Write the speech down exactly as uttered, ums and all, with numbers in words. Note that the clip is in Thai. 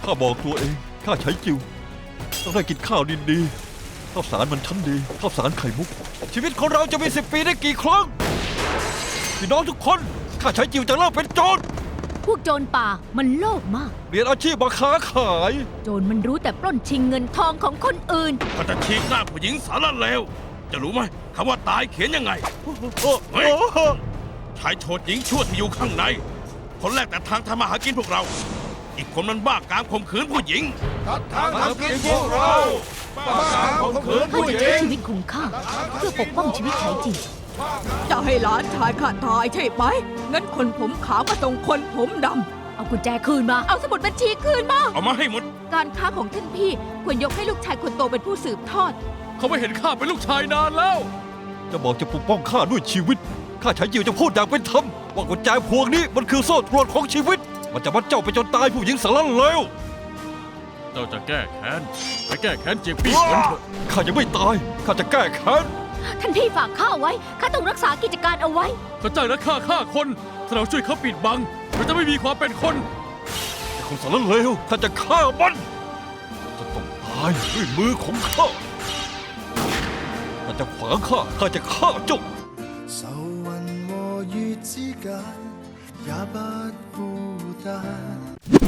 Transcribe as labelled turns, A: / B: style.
A: ข้าบอกตัวเองข้าใช้จิวต้องได้กินข้าวดีๆข้าวสารมันชั้นดีข้าวสารไข่มุกชีวิตของเราจะมีสิบปีได้กี่ครั้งพี่น้องทุกคนข้าใช้จิวจะเลิกเป็นโจร
B: พวกโจรป่ามันโลภมาก
A: เปลี่ยนอาชีพมาค้าขาย
B: โจรมันรู้แต่ปล้นชิงเงินทองของคนอื่น
C: ข้าจะฉีกหน้าผู้หญิงสารเลวจะรู้ไหมคำว่าตายเขียนยังไงเฮ้ยชายโฉดหญิงชั่วที่อยู่ข้างใน คนแรกแต่ทางทำมาหากินพวกเรา อีกคนมันบ้าการข่มขืนผู้หญิง
D: ทางทำกินพวกเราบ้าการข่มขืน
B: ข้า
D: ผู้
B: จะ
D: ห
B: ใช้
D: ญิง
B: ชีวิตของข้าเพื่อปกป้องชีวิตไฉจิว
E: จะให้หลานชายข้าตายใช่ไหมงั้นคนผมขาวก็ต้องคนผมดำ
B: เอากุญแจคืนมาเอาสมุดบัญชีคืนมา
C: เอามาให้หมด
E: การค้าของท่านพี่ควรยกให้ลูกชายคนโตเป็นผู้สืบทอด
F: เขาไม่เห็นข้าเป็นลูกชายนานแล้ว
A: จะบอกจะปกป้องข้าด้วยชีวิตข้าใช้จิวจะพูดอย่างเป็นธรรมว่ากุญแจพวงนี้มันคือโซ่ตรวนของชีวิตมันจะมัดเจ้าไปจนตายผู้หญิงสารเลว
F: เจ้าจะแก้แค้นไปแก้แค้นเจียงปี้กันเถอะ
A: ข้ายังไม่ตายข้าจะแก้แค้น
B: ท่านพี่ฝากข้าไว้ข้าต้องรักษากิจการเอาไว้
F: เขาจ้างนักฆ่าฆ่าคนถ้าเราช่วยเขาปิดบังเราจะไม่มีความเป็นคน
A: ไอ้คนสารเลวข้าจะฆ่ามันจะต้องตายด้วยมือของข้าข้าจะขวางข้าข้าจะฆ่าเจ้า
D: 愁雲和月之間也不孤單